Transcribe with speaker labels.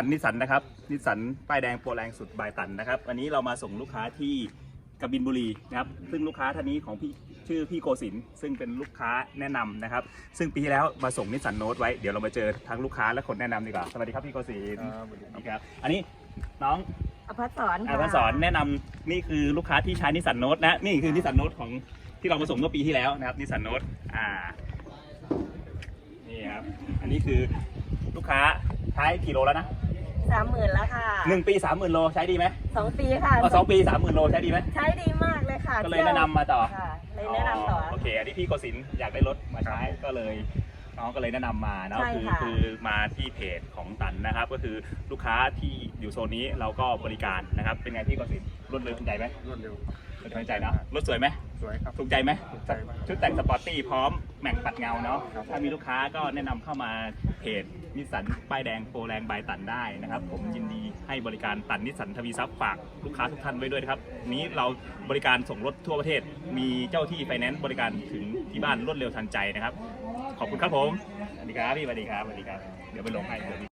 Speaker 1: นิสสันนะครับนิสสันป้ายแดงโปรแรงสุดบายตันนะครับวันนี้เรามาส่งลูกค้าที่กบินบุรีนะครับซึ่งลูกค้าท่านนี้ของพี่ชื่อพี่โกศินทร์ซึ่งเป็นลูกค้าแนะนำนะครับซึ่งปีที่แล้วมาส่งนิสสันโน้ตไว้เดี๋ยวเรามาเจอทั้งลูกค้าและคนแนะนำดีกว่าสวัสดีครับพี่โกศินทร์สวัสดีครับอันนี้น้อง
Speaker 2: อภัสสร
Speaker 1: อภัสสรแนะนำนี่คือลูกค้าที่ใช้นิสสันโน้ตนะนี่คือนิสสันโน้ตของที่เรามาส่งเมื่อปีที่แล้วนะครับนิสสันโน้ตนี่ครับอันนี้คือลูกค้าใช้กี่โลแล้วนะ
Speaker 2: 30,000แล้วค่ะ
Speaker 1: 1 ปี 30,000 โลใช้ดีไหม
Speaker 2: 2 ปีค่ะ
Speaker 1: 2 ปี 30,000 โลใช้ดีไหม
Speaker 2: ใช้ดีมากเลยค่ะ
Speaker 1: ก็เลยแนะนำมาต่อ
Speaker 2: ค่ะเลยแนะนำต่อ
Speaker 1: โอเคอันนี้พี่โกศินทร์อยากได้รถมาใช้ก็เลยน้องก็เลยแนะนำมานะคือมาที่เพจของตันนะครับก็คือลูกค้าที่อยู่โซนนี้เราก็บริการนะครับเป็นไงพี่โกศินทร์รวดเร็วทันใจไหม
Speaker 3: รวดเร็ว
Speaker 1: ทันใจนะรถสวยไหม
Speaker 3: สวยครับ
Speaker 1: ถูกใจไหม
Speaker 3: ถูกใจมาก
Speaker 1: ชุดแต่งสปอร์ตตี้พร้อมแม็กปัดเงาเนาะถ้ามีลูกค้าก็แนะนำเข้ามาเพจนิสสันป้ายแดงโปรแรงบายตันได้นะครับผมยินดีให้บริการตันนิสสันทวีทรัพย์ฝากลูกค้าทุกท่านไว้ด้วยนะครับนี้เราบริการส่งรถทั่วประเทศมีเจ้าที่ไฟแนนซ์บริการถึงที่บ้านรวดเร็วทันใจนะครับขอบคุณครับผมสวัสดีครับพี่สวัสดีครับเดี๋ยวไปลงให้